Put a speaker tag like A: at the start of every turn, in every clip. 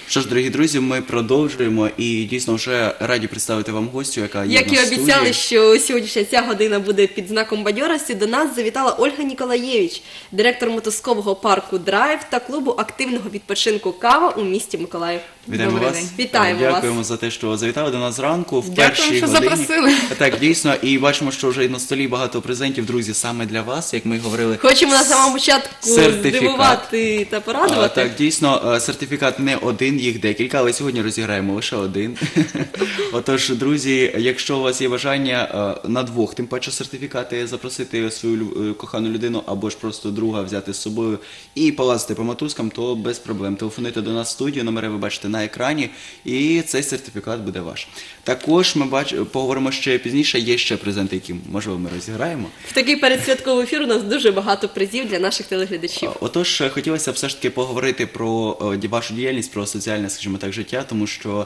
A: Що ж, дорогі друзі, ми продовжуємо і дійсно вже раді представити вам гостю, яка є
B: Як
A: в
B: і
A: нас в
B: обіцяли,
A: студії.
B: що сьогоднішня ця година буде під знаком бадьорості, до нас завітала Ольга Ніколаєвич, директор мотузкового парку «Драйв» та клубу активного відпочинку «Кава» у місті Миколаїв.
A: Вітаємо
C: Добрий
A: вас.
C: день.
B: Вітаємо вас.
A: Дякуємо за те, що завітали до нас зранку в
C: Дякую,
A: першій
C: що
A: годині.
C: запросили.
A: Так, дійсно, і бачимо, що вже на столі багато презентів, друзі, саме для вас, як ми й говорили.
B: Хочемо на самому початку
A: Сертифікат.
B: здивувати та порадувати.
A: Так, дійсно, сертифікат не один, їх декілька, але сьогодні розіграємо лише один. Отож, друзі, якщо у вас є бажання на двох, тим паче сертифікати, запросити свою кохану людину або ж просто друга взяти з собою і полазити по мотузкам, то без проблем. Телефонуйте до нас в студію, номери ви бачите на екрані, і цей сертифікат буде ваш. Також ми поговоримо ще пізніше, є ще презенти, які, можливо, ми розіграємо.
B: В такий передсвятковий ефір у нас дуже багато призів для наших телеглядачів.
A: Отож, хотілося б все ж таки поговорити про вашу діяльність, про соціальне, скажімо так, життя, тому що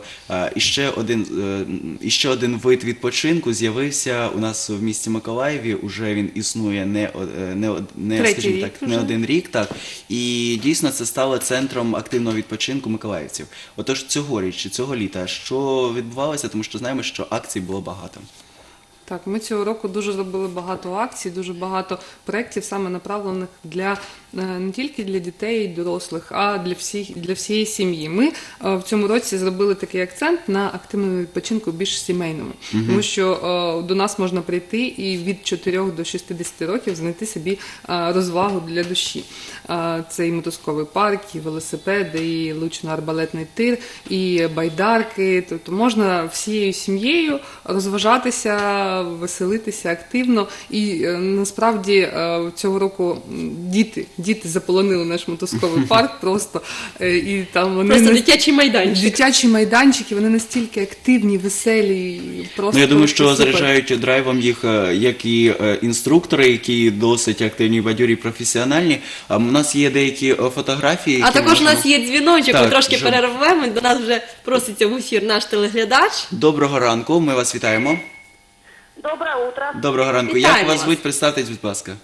A: іще один вид відпочинку з'явився у нас в місті Миколаєві, уже він існує скажімо так, не один рік, так, і дійсно це стало центром активного відпочинку миколаївців. Отож, цьогоріч, цього літа, що відбувалося, тому що знаємо, що акцій було багато.
C: Так, ми цього року дуже зробили багато акцій, дуже багато проєктів, саме направлених не тільки для дітей і дорослих, а для всієї сім'ї. Ми в цьому році зробили такий акцент на активному відпочинку більш сімейному, тому що до нас можна прийти і від 4 до 60 років знайти собі розвагу для душі. Це і мотузковий парк, і велосипеди, і лучно-арбалетний тир, і байдарки. Тобто можна всією сім'єю розважатися, веселитися активно. І насправді цього року діти заполонили наш мотузковий парк просто. І там вони
B: Просто дитячий майданчик.
C: Дитячі майданчики, вони настільки активні, веселі. Просто
A: Я думаю, що
C: супер.
A: заряджають драйвом їх як і інструктори, які досить активні, бадьорі, професіональні. У нас є деякі фотографії.
B: А
A: які
B: також у
A: можемо-
B: нас є дзвіночок, ми
A: Так,
B: трошки
A: вже-
B: перервемо, до нас вже проситься в ефір наш телеглядач.
A: Доброго ранку, ми вас вітаємо.
D: Доброе утро.
A: Доброго ранку.
B: Вітаємо
A: Як вас
B: вас.
A: звуть? Представтесь, будь ласка.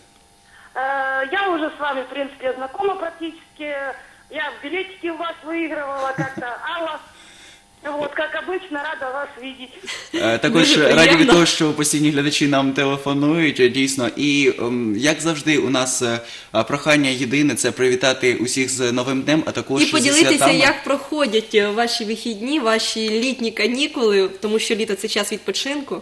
D: Я уже с вами, в принципе, знакома практически. Я билетики у вас выигрывала как-то. Алла, вот, как обычно, рада вас видеть.
A: Також
B: Дуже
A: раді від
B: приємно.
A: того, що постійні глядачі нам телефонують, дійсно. І як завжди, у нас прохання єдине – це привітати усіх з Новим днем, а також
B: І
A: зі
B: поділитися,
A: святами.
B: як проходять ваші вихідні, ваші літні канікули, тому що літо – це час відпочинку.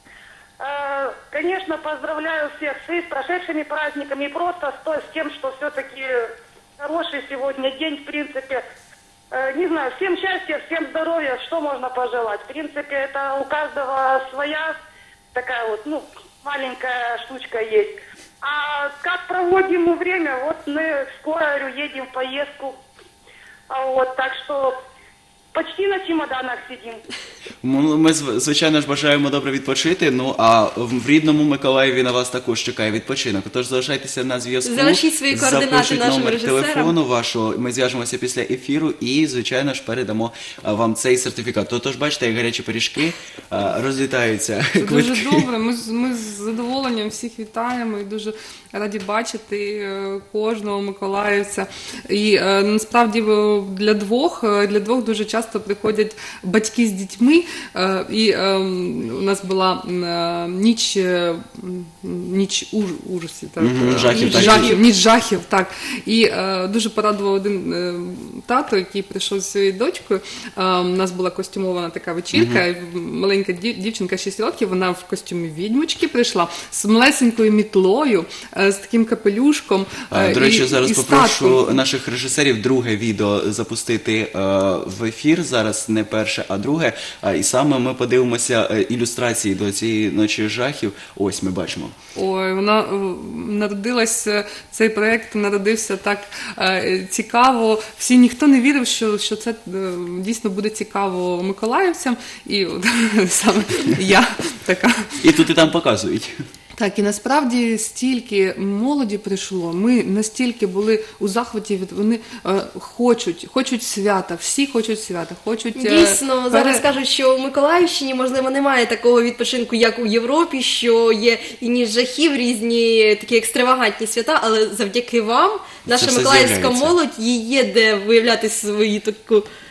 D: Конечно, поздравляю всех с прошедшими праздниками и просто с тем, что все-таки хороший сегодня день, в принципе. Не знаю, всем счастья, всем здоровья, что можно пожелать. В принципе, это у каждого своя такая вот, маленькая штучка есть. А как проводим мы время? Вот мы скоро, говорю, едем в поездку. Вот, так что почти на чемоданах сидим.
A: Ми, звичайно ж, бажаємо добре відпочити, а в рідному Миколаєві на вас також чекає відпочинок. Тож залишайтеся на зв'язку.
B: Залишіть свої координати
A: запишіть
B: нашим
A: номер
B: режисерам.
A: телефону вашого, ми зв'яжемося після ефіру і, звичайно ж, передамо вам цей сертифікат. Тож, бачите, як гарячі пиріжки розлітаються.
C: Це дуже
A: квитки.
C: добре. Ми з задоволенням всіх вітаємо і дуже раді бачити кожного миколаївця. І насправді для двох дуже часто приходять батьки з дітьми. І у нас була ніч ужасів, так? Ніч жахів, так. І дуже порадував один тато, який прийшов з своєю дочкою. У нас була костюмована така вечірка, маленька дівчинка 6 років, вона в костюмі відьмочки прийшла з малесенькою мітлою, з таким капелюшком.
A: До речі, зараз
C: і
A: попрошу наших режисерів друге відео запустити в ефір, зараз не перше, а друге. І саме ми подивимося ілюстрації до цієї ночі жахів. Ось ми бачимо.
C: Ой, вона цей проєкт народився так цікаво. Ніхто не вірив, що це дійсно буде цікаво миколаївцям. І саме я така.
A: І тут і там показують.
C: Так, і насправді стільки молоді прийшло, ми настільки були у захваті, вони хочуть свята, всі хочуть свята, хочуть...
B: Дійсно, зараз кажуть, що у Миколаївщині, можливо, немає такого відпочинку, як у Європі, що є і ніж жахів, різні такі екстравагантні свята, але завдяки вам, наша миколаївська молодь, їй є де виявляти свою таку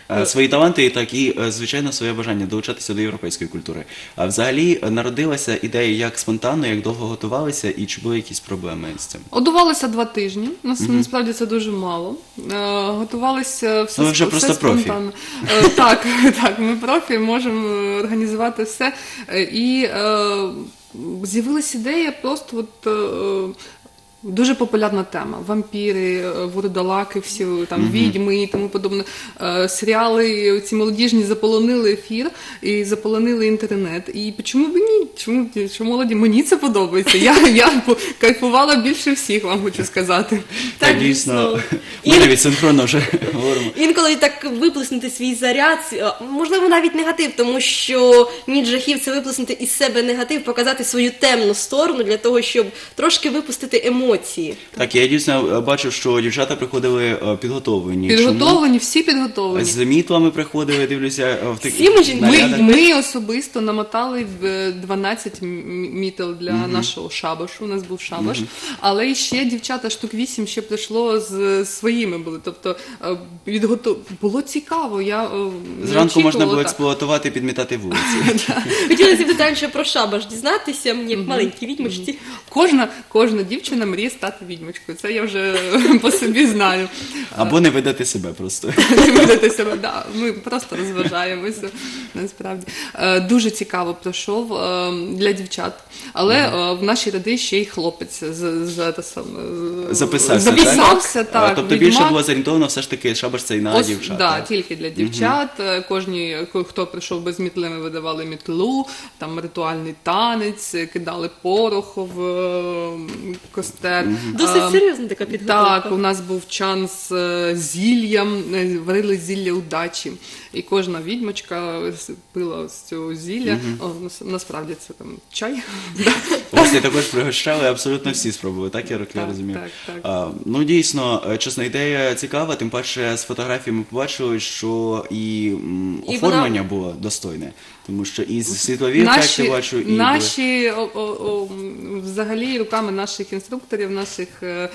A: свої таланти, так і, звичайно, своє бажання долучатися до європейської культури. А взагалі народилася ідея як спонтанно, як довго готувалися, і чи були якісь проблеми з цим?
C: Готувалися 2 тижні. Насправді це дуже мало. Готувалися все,
A: Ну, ви вже
C: все
A: просто профі.
C: спонтанно. Так, так, ми профі, можемо організувати все. І з'явилася ідея просто дуже популярна тема. Вампіри, вурдалаки, всі там відьми і тому подобне. Серіали ці молодіжні заполонили ефір і заполонили інтернет. І чому б ні? Чому молоді? Мені це подобається. Я кайфувала більше всіх, вам хочу сказати.
A: Так, дійсно. Ми навіть синхронно вже говоримо.
B: Інколи так виплеснути свій заряд, можливо, навіть негатив, тому що ніч жахів – це виплеснути із себе негатив, показати свою темну сторону для того, щоб трошки випустити емоції.
A: Так, я дійсно бачив, що дівчата приходили підготовлені.
C: Підготовлені, всі підготовлені.
A: З мітлами приходили, дивлюся, в таких
B: Всі ми жінки.
A: нарядах.
C: Ми особисто намотали 12 мітел для нашого шабашу, у нас був шабаш, але ще дівчата штук 8 ще прийшло з своїми були, тобто було цікаво, я не
A: Зранку можна
C: очікувала
A: було
C: так.
A: експлуатувати, підмітати вулиці.
B: Хотілося б детальніше про шабаш дізнатися, мені як маленькій відьмочці.
C: Кожна дівчина мріє стати відьмочкою, це я вже по собі знаю.
A: Або не видати себе просто.
C: Не видати себе, да. Ми просто розважаємося, насправді. Дуже цікаво пройшов для дівчат, але в нашій ряди ще й хлопець
A: Записався,
C: так.
A: Тобто більше було зорієнтовано все ж таки шабаш це і на дівчат.
C: Да,
A: так?
C: тільки для дівчат. Хто прийшов без мітли, ми видавали мітлу, там ритуальний танець, кидали порох в костер.
B: Досить серйозна така підготовка.
C: Так, у нас був чан з зіллям, варили зілля удачі. І кожна відьмочка пила з цього зілля. Насправді це там чай.
A: Ось я також пригощали, абсолютно всі спробували, так я
C: Так,
A: розумію.
C: так.
A: Ну дійсно, чесно, ідея цікава, тим паче з фотографій ми побачили, що і оформлення було достойне, тому що і світлові ефекти бачу, і
C: наші взагалі руками наших інструкторів, наших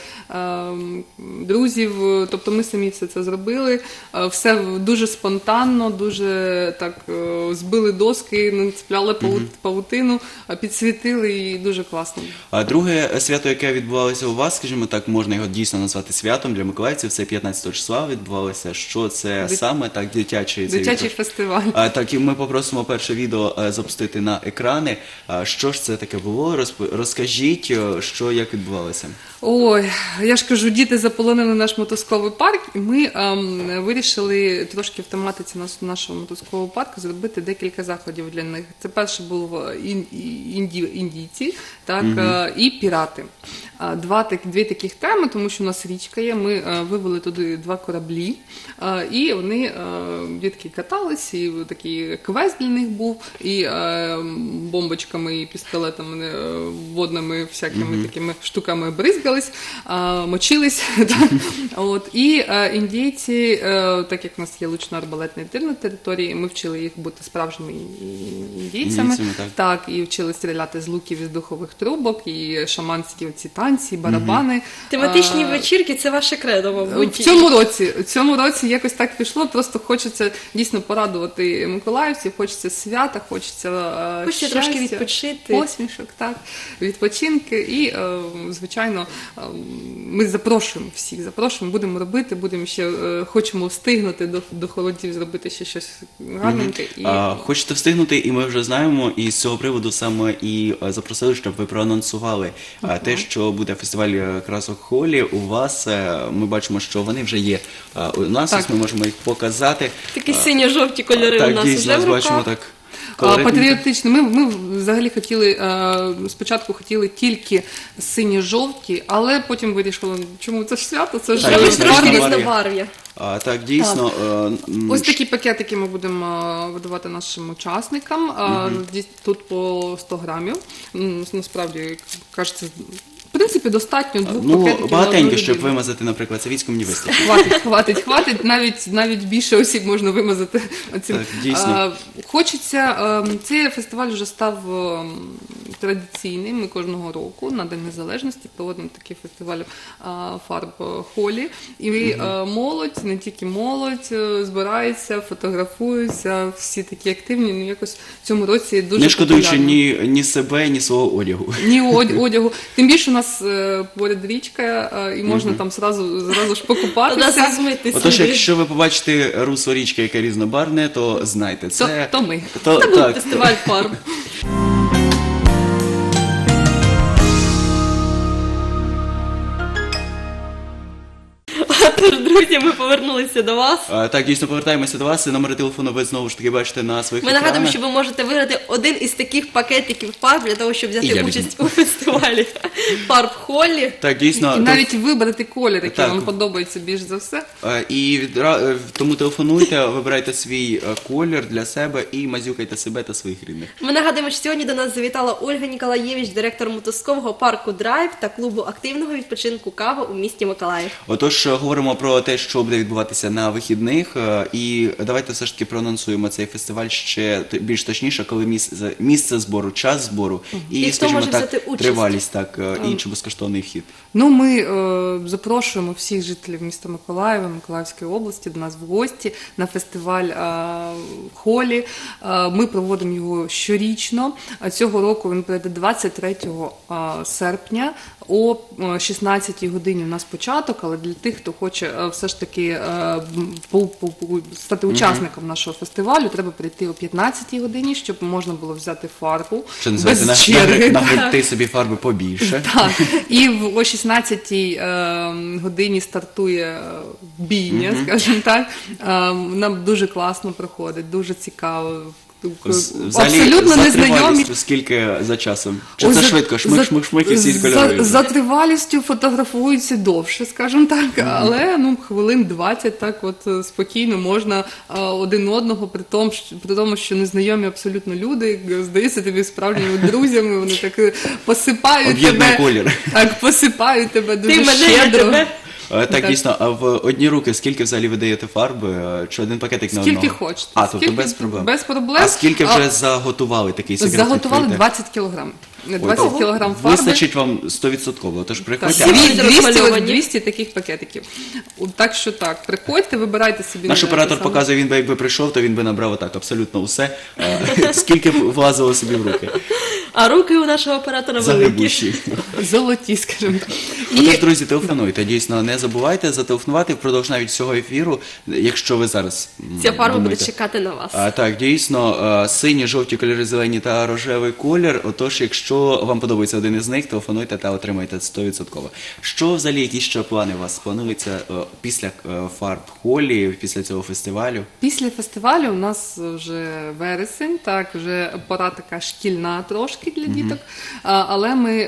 C: друзів, тобто ми самі все це зробили, все дуже спонтанно, дуже так збили доски, нацепляли павутину, підсвітили і дуже класно.
A: А друге свято, яке відбувалося у вас, скажімо так, можна його дійсно назвати святом для миколаївців, це 15 числа відбувалося. Що це саме? Так, дитячий
C: Фестиваль.
A: Так, і ми попросимо перше відео запустити на екрани. Що ж це таке було? Розкажіть, що, як відбувалося?
C: Ой, я ж кажу, діти заполонили наш мотузковий парк, і ми вирішили трошки в тематиці нашого мотузкового парку зробити декілька заходів для них. Це перше був індійці, так, і пірати. Дві таких теми, тому що у нас річка є, ми вивели туди 2 кораблі, і вони, дітки катались, і такий квест для них був, і бомбочками, і пістолетами, водними всякими такими штуками бризгались, мочились. І індійці, так як у нас є лучно-арбалетний тир на території, ми вчили їх бути справжніми індійцями, так, і вчили стріляти з луків, із духових трубок, і шаманські оці танці, барабани.
B: Тематичні вечірки – це ваше кредо, мабуть.
C: В цьому році якось так пішло, просто хочеться дійсно порадувати миколаївців, хочеться свята, хочеться щастя,
B: трошки відпочити.
C: Посмішок, так, відпочинки і, звичайно, ми запрошуємо всіх, будемо робити, хочемо встигнути до холодів зробити ще щось гарненьке.
A: Хочете встигнути, і ми вже знаємо, і з цього приводу саме і запросили, щоб ви проанонсували те, що буде фестиваль красок Холі. У вас, ми бачимо, що вони вже є у нас, ось ми можемо їх показати.
B: Такі синьо-жовті кольори у нас вже в
A: бачимо,
B: руках.
A: так.
C: Патріотично. Ми взагалі спочатку хотіли тільки сині-жовті, але потім вирішили, чому це ж свято, це ж
B: Трошки різнобарв'я.
A: Так, дійсно.
C: Ось такі пакетики ми будемо видавати нашим учасникам. Тут по 100 грамів. Насправді, кажеться, в принципі, достатньо 2 пакетиків.
A: Багатенько, щоб вимазати, наприклад, Савіцьку мені вистачить.
C: Хватить. Навіть більше осіб можна вимазати.
A: Так, дійсно.
C: Хочеться, цей фестиваль вже став традиційний. Ми кожного року на День Незалежності проводимо такий фестиваль фарб холі. І молодь, не тільки молодь, збирається, фотографуються, всі такі активні. Ну, якось в цьому році дуже
A: Не шкодуючи
C: популярно.
A: ні себе, ні свого одягу.
C: Ні одягу. Тим більше у нас поряд річка, і можна там зразу ж покупатися.
B: Змити
A: Отож,
B: сліди.
A: якщо ви побачите русло річки, яке різнобарвне, то знайте, це...
C: То ми.
B: Це був
A: так.
B: фестиваль фарб. Тож, друзі, ми повернулися до вас.
A: Так, дійсно, повертаємося до вас. Номери телефону ви знову ж таки бачите на своїх
B: Ми
A: екранах.
B: нагадуємо, що ви можете виграти один із таких пакетиків фарб для того, щоб
A: І я
B: взяти
A: візьму.
B: участь у фестивалі фарб Холлі.
A: Так, дійсно.
C: І навіть вибрати колір, який
A: Так.
C: вам подобається більш за все.
A: Тому телефонуйте, вибирайте свій колір для себе і мазюкайте себе та своїх рідних.
B: Ми нагадуємо, що сьогодні до нас завітала Ольга Ніколаєвич, директор мотузкового парку Драйв та клубу активного відпочинку Кава у місті Миколаїв.
A: Отож, говоримо про те, що буде відбуватися на вихідних, і давайте все ж таки проанонсуємо цей фестиваль ще більш точніше, коли місце збору, час збору
B: І
A: і,
B: хто
A: скажімо
B: може
A: так,
B: взяти участь?
A: тривалість, так, і чи безкоштовний вхід.
C: Ну, ми запрошуємо всіх жителів міста Миколаєва, Миколаївської області до нас в гості на фестиваль Холі. Ми проводимо його щорічно. Цього року він пройде 23 серпня о 16 годині у нас початок, але для тих, хто хоче все ж таки стати учасником нашого фестивалю, треба прийти о 15 годині, щоб можна було взяти фарбу
A: Що називається,
C: без черги.
A: нагребти собі фарби побільше.
C: Так, і о 16-й годині стартує бійня, скажімо так. Нам дуже класно проходить, дуже цікаво.
A: Взагалі,
C: Абсолютно
A: за
C: незнайомі.
A: тривалістю скільки за часом? Чи
C: Ой,
A: це швидко? Шмик-шмик-шмик і всі кольори?
C: За тривалістю фотографуються довше, скажімо так, але хвилин 20 так от спокійно можна один одного, при тому, що незнайомі абсолютно люди, здається тобі справжніми друзями, вони так посипають
A: Об'єднує
C: тебе.
A: колір.
C: Так, посипають тебе дуже
B: Ти мене, я
C: щедро.
B: тебе.
A: Так,
C: Так.
A: дійсно, а в одні руки скільки взагалі ви даєте фарби? Чи один пакетик на одного?
C: Скільки хочете.
A: А, тобто
C: Скільки-
A: без проблем.
C: без проблем.
A: А скільки вже заготували такий секрет?
C: Заготували
A: відкрийте?
C: 20 кілограм. 20 кілограм фарби.
A: Вистачить вам 100%, тож
C: Так,
A: приходьте.
B: Всі
C: дві- 200,
B: розмальовані.
C: 200 таких пакетиків. Так що так, приходьте, вибирайте собі.
A: Наш
C: те
A: оператор
C: саме.
A: показує, він би якби прийшов, то він би набрав отак абсолютно усе, скільки б влазило собі в руки.
B: А руки у нашого оператора великі.
A: Загребущі.
C: Золоті, скажімо так.
A: Отож, друзі, телефонуйте. Дійсно, не забувайте зателефонувати впродовж навіть всього ефіру, якщо ви зараз
B: Ця фарба буде
A: думаєте.
B: чекати на вас.
A: Так, дійсно, сині, жовті кольори, зелені та рожевий колір. Отож, якщо вам подобається один із них, телефонуйте та отримайте 100%. Що взагалі, які ще плани у вас плануються після фарб Холі, після цього фестивалю?
C: Після фестивалю у нас вже вересень, так, вже пора така шкільна трошки для діток, але ми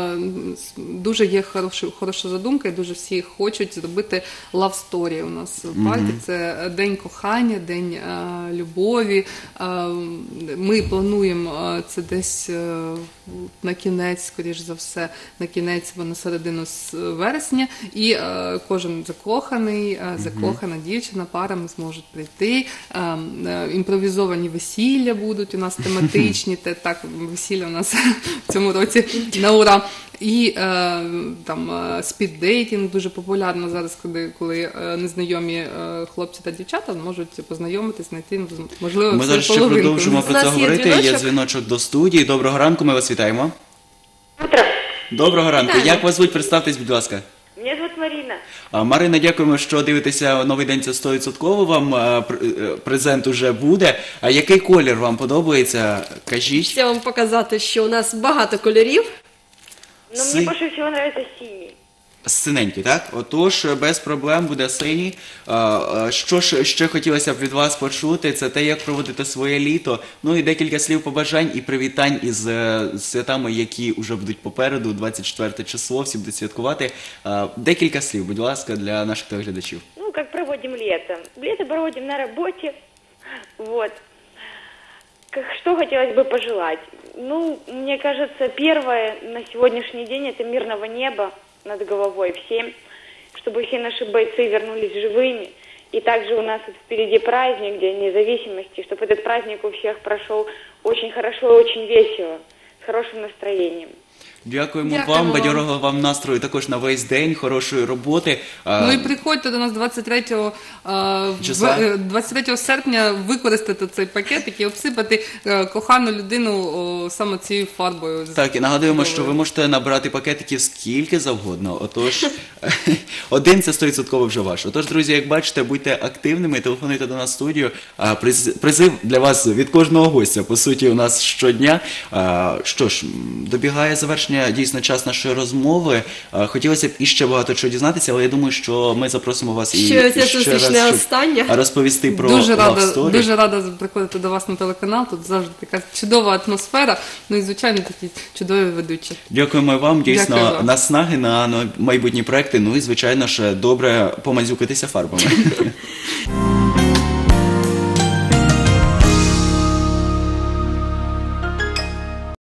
C: дуже є хороша задумка, і дуже всі хочуть зробити love story у нас в парку. Це день кохання, день любові. Ми плануємо це десь на кінець, скоріш за все, на кінець або на середину вересня, і кожен закоханий, закохана дівчина, парами зможуть прийти. Імпровізовані весілля будуть у нас тематичні, так, весілля у нас в цьому році на ура. І там спіддейтинг дуже популярно зараз, коли незнайомі хлопці та дівчата можуть познайомитись, знайти, можливо,
A: Ми
C: свою
A: зараз ще
C: половинку.
A: продовжимо
B: У
A: про
B: нас
A: це
B: є
A: говорити. Є
B: дзвіночок.
A: дзвіночок до студії. Доброго ранку, ми вас вітаємо.
D: Утро.
A: Доброго ранку.
B: Вітаємо.
A: Як вас звуть? Представтесь, будь ласка.
D: Меня зовут Марина.
A: Марина, дякуємо, що дивитеся новий день. Це 100%. Вам презент уже буде. А який колір вам подобається? Кажіть.
B: Хочу вам показати, що у нас багато кольорів.
D: Но
A: Сы-
D: мне больше всего нравится синий.
A: Синенький, так? Отож, без проблем буде синій. Що ж ще хотілося б від вас почути, це те, як проводити своє літо. Ну і декілька слів побажань і привітань із святами, які вже будуть попереду, 24 число, всі будуть святкувати. Декілька слів, будь ласка, для наших телеглядачів.
D: Ну, как проводим лето? Лето проводим на работе. Вот. Что хотелось бы пожелать? Ну, мне кажется, первое на сегодняшний день это мирного неба над головой всем, чтобы все наши бойцы вернулись живыми. И также у нас вот впереди праздник, День независимости, чтобы этот праздник у всех прошел очень хорошо и очень весело.
E: хорошим настроением.
A: Дякуємо
B: Дякуємо
A: вам,
B: вам.
A: бадьорого вам настрою також на весь день, хорошої роботи.
C: Ну і приходьте до нас 23
A: Числа?
C: 23 серпня використати цей пакетик і обсипати кохану людину саме цією фарбою.
A: Так, і нагадуємо, що
C: Чудовою.
A: ви можете набрати пакетиків скільки завгодно. Отож, один це 100% вже ваш. Отож, друзі, як бачите, будьте активними, телефонуйте до нас в студію. Призив для вас від кожного гостя, по суті, у нас щодня. Що ж, добігає завершення дійсно час нашої розмови. Хотілося б іще багато чого дізнатися, але я думаю, що ми запросимо вас і
B: Що ця
A: ще
B: зустріч
A: раз,
B: не
A: щоб
B: остання.
A: розповісти про
C: Дуже
A: Love
C: рада,
A: Story.
C: дуже рада приходити до вас на телеканал. Тут завжди така чудова атмосфера. Ну і звичайно такі чудові ведучі.
A: Дякуємо вам, дійсно,
C: Дякую вам.
A: наснаги на майбутні проекти, ну і, звичайно ж, добре помазюкатися фарбами.